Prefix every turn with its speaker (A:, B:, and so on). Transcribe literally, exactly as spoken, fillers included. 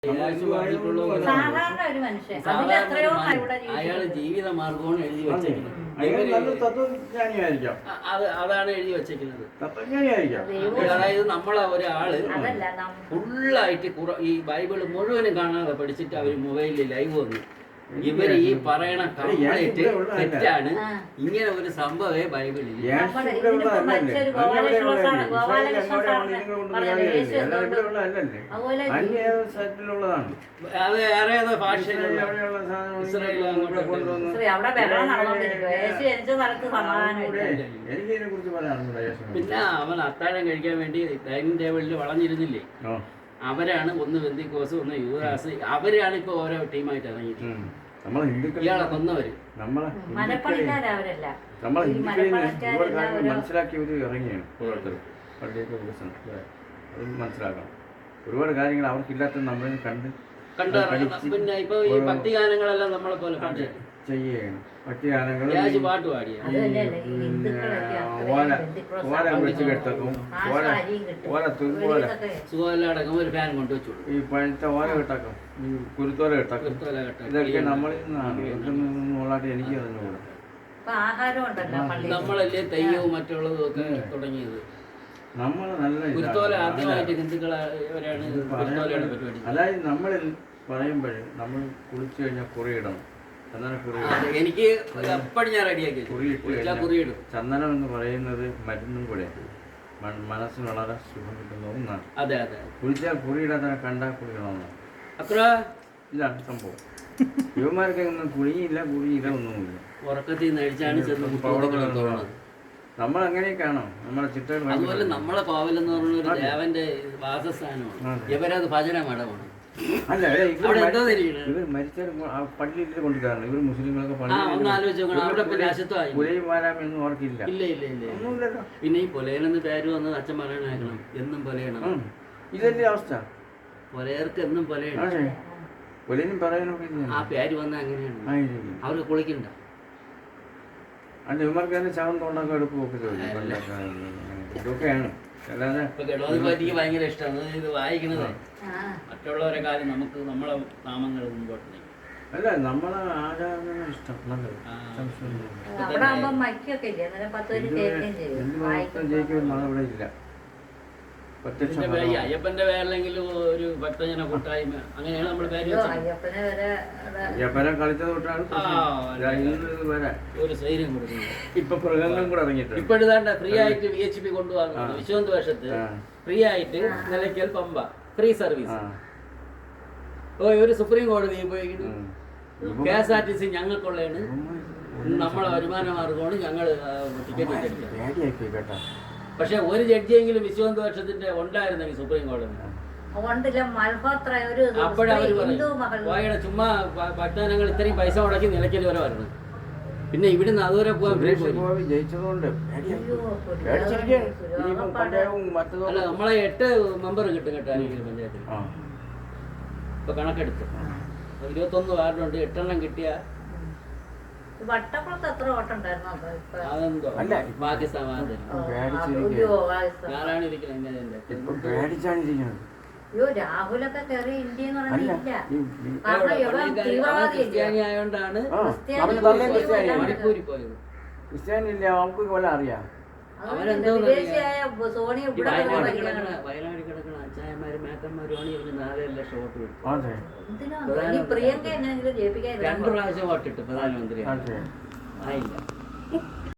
A: സാധാരണ ഒരു മനുഷ്യൻ അയാള് ജീവിത മാർഗമാണ് എഴുതി വെച്ചേക്കുന്നത്. അതാണ് എഴുതി വെച്ചേക്കുന്നത്. അതായത് നമ്മളെ ഒരാള് ഫുള്ളായിട്ട് ഈ ബൈബിള് മുഴുവനും കാണാതെ പഠിച്ചിട്ട് അവര് മൊബൈലിൽ ലൈവ് വന്നു. ഇവര് ഈ പറയണ കംപ്ലീറ്റ് തെറ്റാണ്. ഇങ്ങനെ ഒരു സംഭവമേ ബൈബിളിൽ. അത് വേറെ ഏതോ ഭാഷയിലുള്ള പിന്നെ അവൻ അത്താഴം കഴിക്കാൻ വേണ്ടി ഡൈനിങ് ടേബിളിൽ വളഞ്ഞിരുന്നില്ലേ, അവരാണ് ഒന്ന് ബെന്തിക്കോസ് ഒന്ന് യുവരാസ്. അവരാണ് ഇപ്പൊ ഓരോ ടീമായിട്ട് ഇറങ്ങിയിട്ട്
B: നമ്മളെ ഹിന്ദുക്കൾ
A: ഇയാളെ കൊന്നവര്
B: നമ്മളെ നമ്മളെ ഹിന്ദുക്കളിൽ മനസ്സിലാക്കിയവര് ഇറങ്ങിയാണ് ഓരോരുത്തർ പള്ളിയൊക്കെ വികസനം. അത് മനസ്സിലാക്കണം. ഒരുപാട് കാര്യങ്ങൾ അവർക്കില്ലാത്ത നമ്മൾ കണ്ട്
A: കണ്ട് പിന്നെ ഇപ്പൊ ഈ ഭക്തിഗാനങ്ങളെല്ലാം നമ്മളെ പോലെ പാട്ട്
B: ചെയ്യണം. ഭക്തിഗാനങ്ങൾ
A: പാട്ട് പാടിയ
B: ഓല ഓല വെച്ച് കെട്ടക്കും ഓല ഓല തുമ്പോല
A: സുഖമല്ലടക്കം ഒരു ഫാൻ കൊണ്ടുവച്ചു.
B: ഈ പഴുത്ത ഓല കെട്ടാക്കും, ഈ കുരുത്തോല കെട്ടാക്കും. ഇതൊക്കെ നമ്മളിൽ നിന്നാണ്. ഇതൊക്കെ എനിക്ക് അറിഞ്ഞുകൂടാ.
A: നമ്മളല്ലേ തെയ്യവും മറ്റുള്ളതും ഒക്കെ തുടങ്ങിയത്.
B: നമ്മള് നല്ല
A: കുരുത്തോല ആദ്യമായിട്ട് ഹിന്ദുക്കളാണ് കുരുത്തോലയുടെ പരിപാടി.
B: അതായത് നമ്മളിൽ പറയുമ്പോൾ നമ്മൾ കുളിച്ചു കഴിഞ്ഞാൽ കുറിയിടണം.
A: എനിക്ക് എപ്പോഴും ഞാൻ റെഡിയാക്കി കുറിയിടും.
B: ചന്ദനം എന്ന് പറയുന്നത് മരുന്നും കൂടെ മനസ്സിന് വളരെ സുഖം കിട്ടുന്ന ഒന്നാണ്.
A: അതെ അതെ.
B: കുളിച്ചാൽ കുറിയിടാതെ കണ്ടാൽ കുളിക്കണമെന്നാണ്.
A: അത്ര
B: ഇതാണ് സംഭവം. യുവമാർക്ക് ഒന്നും കുളിയില്ല കുളിയില്ല ഒന്നുമില്ല.
A: ഉറക്കത്തിൽ നിന്ന് അഴിച്ചാണ് ചെന്ന്
B: നമ്മൾ അങ്ങനെയൊക്കെയാണോ നമ്മളെ ചിട്ടകൾ.
A: അതുപോലെ നമ്മളെ കോവലെന്ന് പറഞ്ഞ ഒരു ദേവന്റെ വാസസ്ഥാനമാണ്. ഇവരത് ഭജന മഠമാണ്.
B: അല്ല, ഇവർ മരിച്ചാൽ പള്ളിയിൽ കൊണ്ടുവരാറുണ്ട്. ഇവർ മുസ്ലിങ്ങളൊക്കെ പുലയും വാരാമെന്നും ഓർക്കില്ല.
A: ഇല്ല ഇല്ല ഇല്ല ഒന്നുമില്ലല്ലോ. പിന്നെ ഈ പുലയനെന്ന് പേര് വന്നത് അച്ഛൻ പറയണേക്കണം. എന്നും പുലയണം.
B: ഇതല്ലേ അവസ്ഥ.
A: പുലയർക്ക് എന്നും പുലയണം.
B: പുലയനും പറയാനും
A: ആ പേര് വന്ന അങ്ങനെയാണ്. അവർക്ക് കുളിക്കണ്ട.
B: അല്ല, ഇവർക്ക് തന്നെ ചവൻ തോണ്ടൊക്കെ എടുപ്പൊക്കെ ഇതൊക്കെയാണ്. അല്ലാതെ
A: ഗണപതിക്ക് ഭയങ്കര ഇഷ്ടമാണ് ഇത് വായിക്കണത്. മറ്റുള്ളവരെ കാര്യം നമുക്ക് നമ്മളെ നാമങ്ങൾ മുമ്പോട്ട്.
B: അല്ല, നമ്മളെ ആരാധന ഇഷ്ടം ജയിക്കുമെന്ന് അവിടെ ഇല്ല.
A: അയ്യപ്പന്റെ പേരിലെങ്കിലും ഒരു ഭക്തജന കൂട്ടായ്മ അങ്ങനെയാണ് നമ്മൾ പേര്.
B: അയ്യപ്പനെ കളിച്ചത് തൊട്ടാണ്
A: ഒരു സൈര്യം കൊടുക്കുന്നത്.
B: ഇപ്പൊ മൃഗങ്ങളും കൂടെ ഇറങ്ങിയിട്ട്
A: ഇപ്പോഴാണ്ട് ഫ്രീ ആയിട്ട് വി എച്ച് പി കൊണ്ടുപോകുന്നു. വിശ്വന്ത് വേഷത്ത് ഫ്രീ ആയിട്ട് നിലയ്ക്കൽ പമ്പ ഫ്രീ സർവീസ്. ഓ ഒരു സുപ്രീം കോടതി പോയി K S R T C ഞങ്ങൾക്കുള്ളതാണ്, നമ്മളെ വരുമാന മാർഗമാണ്, ഞങ്ങൾ ടിക്കറ്റ് വെച്ചിട്ടില്ല. പക്ഷെ ഒരു ജഡ്ജിയെങ്കിലും വിശ്വന്ത് വർഷത്തിന്റെ ഉണ്ടായിരുന്നെങ്കിൽ സുപ്രീം കോടതി അപ്പോഴവര് പറയും ചുമ്മാ ഭക്തജനങ്ങൾ ഇത്രയും പൈസ മുടക്കി നിലയ്ക്കൽ വരെ വരണം. പിന്നെ ഇവിടുന്ന് അതുവരെ പോകാൻ
B: ജയിച്ചതുകൊണ്ട്
A: അല്ല, നമ്മളെ എട്ട് മെമ്പർ കിട്ടും കേട്ടോ പഞ്ചായത്തിൽ. ഇപ്പൊ കണക്കെടുത്ത് ഇരുപത്തൊന്ന് വാർഡുണ്ട്. എട്ടെണ്ണം കിട്ടിയ പാകിസ്ഥാൻ ഞാനാണ് ഇരിക്കുന്നത്. രാഹുലൊക്കെ കയറി ഇന്ത്യ ക്രിസ്ത്യാനി ആയോണ്ടാണ് മണിപ്പൂരിൽ പോയത്.
B: ക്രിസ്ത്യാനില്ല നമുക്ക് പോലെ അറിയാം.
A: അവരെന്തോ വയനാട് കിടക്കണ അച്ചായന്മാരും മേക്കന്മാരുമാണ് ഇവര് നാലര ലക്ഷം വോട്ട് കൊടുത്തു. രണ്ട് പ്രാവശ്യം വോട്ടിട്ട് പ്രധാനമന്ത്രി ആയില്ല.